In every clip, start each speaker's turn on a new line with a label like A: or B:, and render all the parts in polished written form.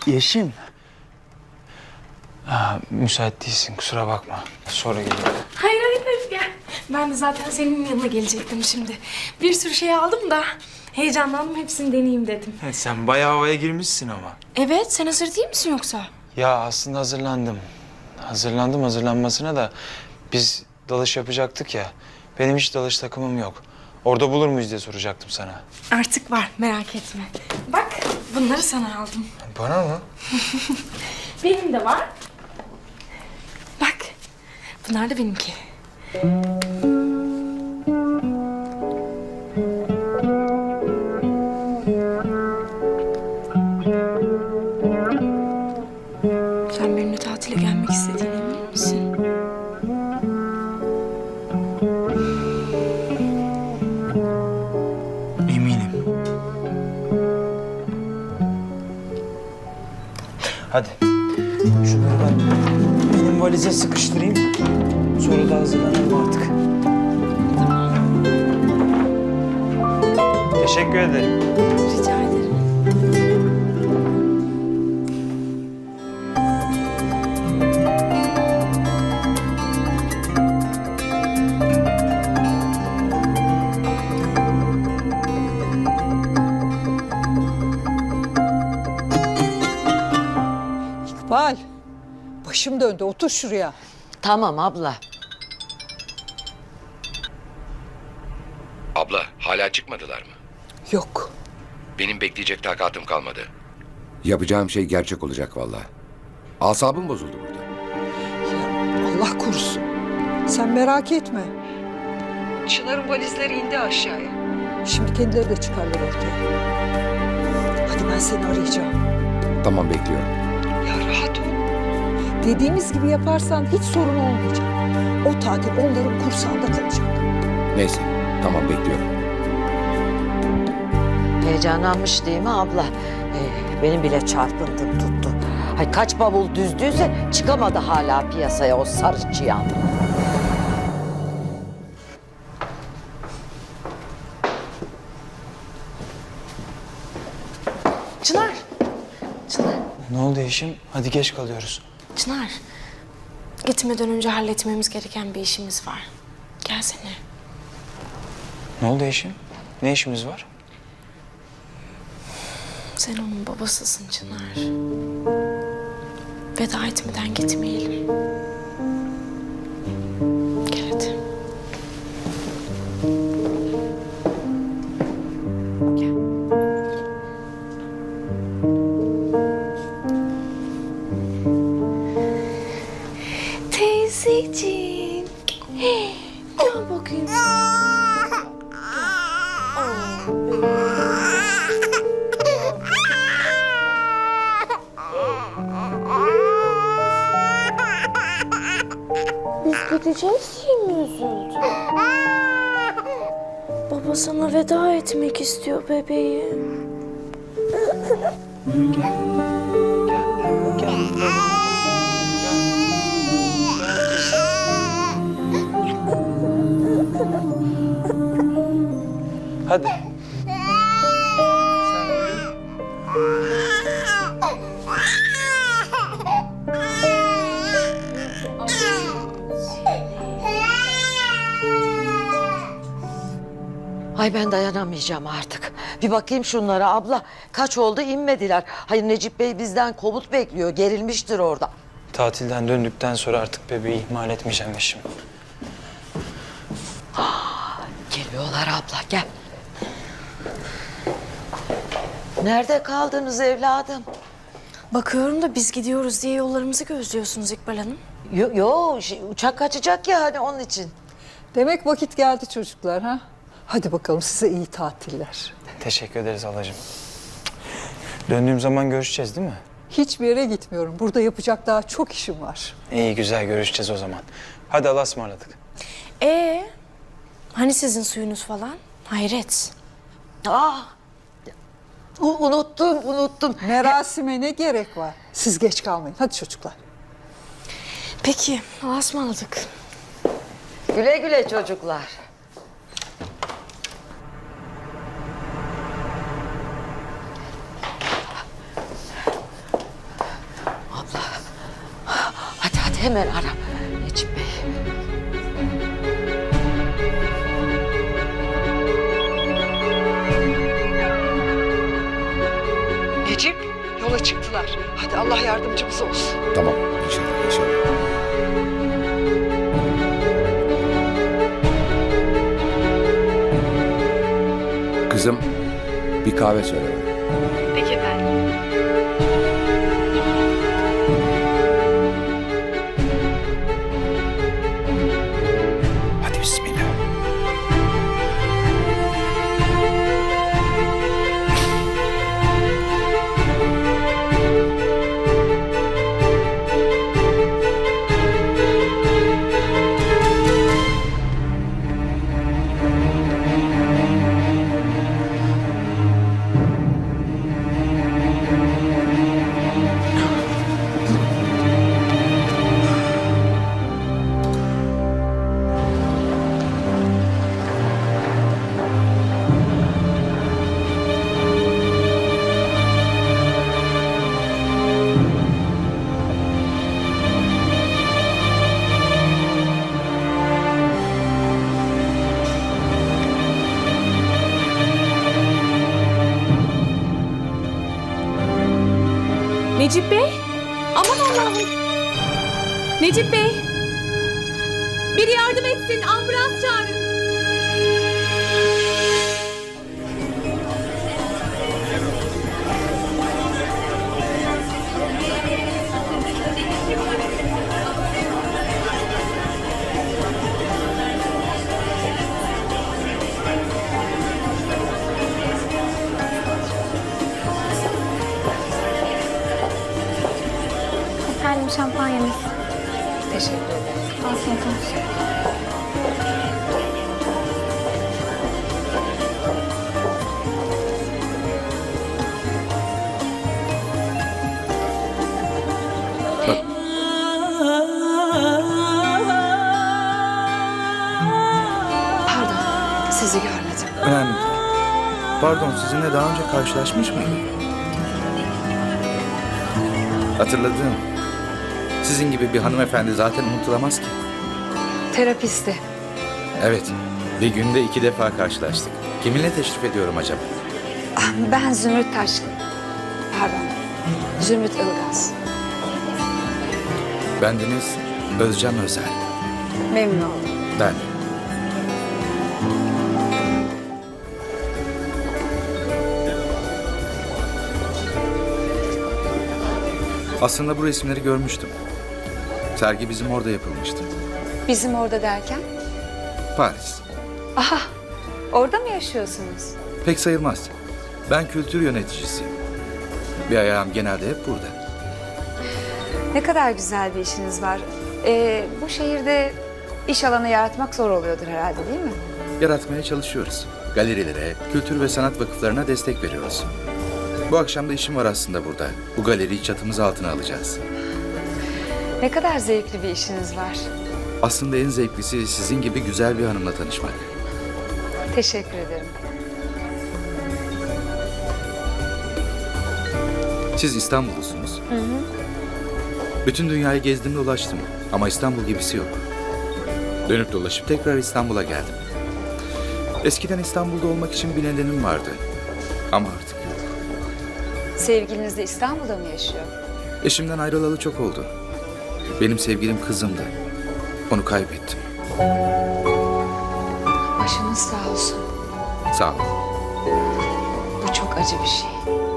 A: Yeşim. Müsait değilsin, kusura bakma. Sonra gelirim.
B: Hayır gel. Ben de zaten senin yanına gelecektim şimdi. Bir sürü şey aldım da heyecanlandım, hepsini deneyeyim dedim.
A: Sen bayağı havaya girmişsin ama.
B: Evet, sen hazır değil misin yoksa?
A: Ya aslında hazırlandım. Hazırlandım hazırlanmasına da biz dalış yapacaktık ya. Benim hiç dalış takımım yok. Orada bulur muyuz diye soracaktım sana.
B: Artık var, merak etme. Bak, bunları sana aldım.
A: Bana mı?
B: Benim de var. Bak, bunlar da benimki. Sen benimle tatile gelmek istediğine emin misin?
A: Eminim. Hadi. Şunları ben benim valize sıkıştırayım. Sonra da hazırlanalım artık. Teşekkür ederim.
B: Rica ederim.
C: İkbal, başım döndü. Otur şuraya.
D: Tamam abla.
E: Abla hala çıkmadılar mı?
C: Yok.
E: Benim bekleyecek takatım kalmadı. Yapacağım şey gerçek olacak vallahi. Asabım bozuldu burada.
C: Ya Allah korusun. Sen merak etme. Çınar'ın valizleri indi aşağıya. Şimdi kendileri de çıkarlar ortaya. Hadi ben seni arayacağım.
E: Tamam bekliyorum.
C: Ya rahat ol. Dediğimiz gibi yaparsan hiç sorun olmayacak. O tatil onların kursağında kalacak.
E: Neyse tamam bekliyorum.
D: Heyecanlanmış değil mi abla? Benim bile çarpıntım tuttu. Hay kaç bavul düzdüyse çıkamadı hala piyasaya o sarı çıyan.
B: Çınar. Çınar.
A: Ne oldu Yeşim? Hadi geç kalıyoruz.
B: Çınar. Gitmeden önce halletmemiz gereken bir işimiz var. Gelsene.
A: Ne oldu Yeşim? Ne işimiz var?
B: Sen onun babasısın Çınar. Veda etmeden gitmeyelim. Gel hadi. Gel. Teyzeciğim. Gel bakayım. Biz gideceğiz diye mi üzüldün? Baba sana veda etmek istiyor bebeğim.
A: Hadi. Sen uyu.
D: Ay ben dayanamayacağım artık. Bir bakayım şunlara abla. Kaç oldu inmediler. Hayır Necip Bey bizden komut bekliyor. Gerilmiştir orada.
A: Tatilden döndükten sonra artık bebeği ihmal etmeyeceğim Yeşim.
D: Geliyorlar abla gel. Nerede kaldınız evladım?
B: Bakıyorum da biz gidiyoruz diye yollarımızı gözlüyorsunuz İkbal Hanım.
D: Uçak kaçacak ya hani onun için.
C: Demek vakit geldi çocuklar ha? Hadi bakalım size iyi tatiller.
A: Teşekkür ederiz halacığım. Döndüğüm zaman görüşeceğiz değil mi?
C: Hiçbir yere gitmiyorum. Burada yapacak daha çok işim var.
A: İyi güzel görüşeceğiz o zaman. Hadi Allah'a ısmarladık.
B: Hani sizin suyunuz falan? Hayret.
D: Unuttum.
C: Merasime ne gerek var? Siz geç kalmayın. Hadi çocuklar.
B: Peki, Allah'a ısmarladık.
D: Güle güle çocuklar. hemen ara Necip Bey.
C: Necip, yola çıktılar. Hadi Allah yardımcımız olsun.
E: Tamam inşallah inşallah. Kızım bir kahve söyle bana.
B: Peki efendim.
E: Hadi bismillah.
B: Necip Bey? Aman Allah'ım. Necip Bey. Biri yardım etsin. Ambulans çağırın.
F: Efendim şampanyanız. Teşekkür ederim. Afiyet olsun.
C: Pardon, sizi görmedim.
G: Önemli değil. Pardon, sizinle daha önce karşılaşmış mıydım? Hatırladım. Sizin gibi bir hanımefendi zaten unutulamaz ki.
C: Terapisti.
G: Evet, bir günde 2 defa karşılaştık. Kiminle teşrif ediyorum acaba?
F: Ben Zümrüt Taşkın. Pardon. Zümrüt Ilgaz.
G: Bendeniz Özcan Özel.
F: Memnun oldum.
G: Ben. Aslında bu resimleri görmüştüm. Sergi bizim orada yapılmıştı.
F: Bizim orada derken?
G: Paris.
F: Aha, orada mı yaşıyorsunuz?
G: Pek sayılmaz. Ben kültür yöneticisiyim. Bir ayağım genelde hep burada.
F: Ne kadar güzel bir işiniz var. Bu şehirde iş alanı yaratmak zor oluyordur herhalde, değil mi?
G: Yaratmaya çalışıyoruz. Galerilere, kültür ve sanat vakıflarına destek veriyoruz. Bu akşam da işim var aslında burada. Bu galeriyi çatımız altına alacağız.
F: Ne kadar zevkli bir işiniz var.
G: Aslında en zevklisi sizin gibi güzel bir hanımla tanışmak.
F: Teşekkür ederim.
G: Siz İstanbullusunuz. Bütün dünyayı gezdim dolaştım ama İstanbul gibisi yok. Dönüp dolaşıp tekrar İstanbul'a geldim. Eskiden İstanbul'da olmak için bir nedenim vardı. Ama artık yok.
F: Sevgiliniz de İstanbul'da mı yaşıyor?
G: Eşimden ayrılalı çok oldu. Benim sevgilim kızımdı. Onu kaybettim.
F: Başınız sağ olsun.
G: Sağ ol.
F: Bu çok acı bir şey.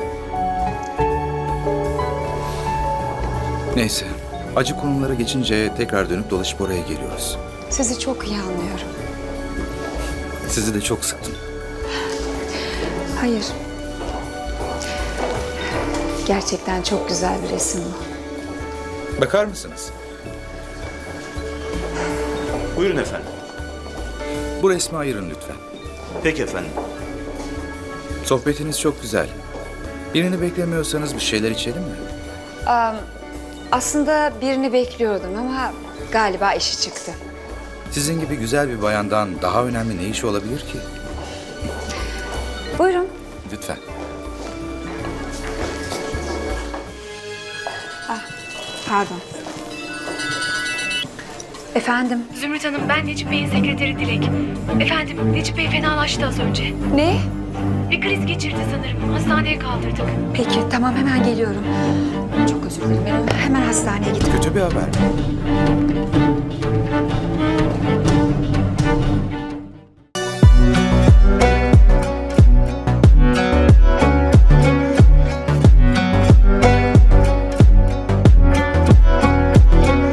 G: Neyse, acı konulara geçince tekrar dönüp dolaşıp oraya geliyoruz.
F: Sizi çok iyi anlıyorum.
G: Sizi de çok sıktım.
F: Hayır. Gerçekten çok güzel bir resim bu.
G: Bakar mısınız?
H: Buyurun efendim.
G: Bu resmi ayırın lütfen.
H: Peki efendim.
G: Sohbetiniz çok güzel. Birini beklemiyorsanız bir şeyler içelim mi?
F: Aslında birini bekliyordum ama galiba işi çıktı.
G: Sizin gibi güzel bir bayandan daha önemli ne işi olabilir ki?
F: Buyurun.
G: Lütfen.
F: Pardon. Efendim?
B: Zümrüt Hanım, ben Necip Bey'in sekreteri Dilek. Efendim, Necip Bey fenalaştı az önce.
F: Ne?
B: Bir kriz geçirdi sanırım. Hastaneye kaldırdık.
F: Peki tamam hemen geliyorum. Çok özür dilerim. Hemen hastaneye gidip
G: Kötü bir haber mi?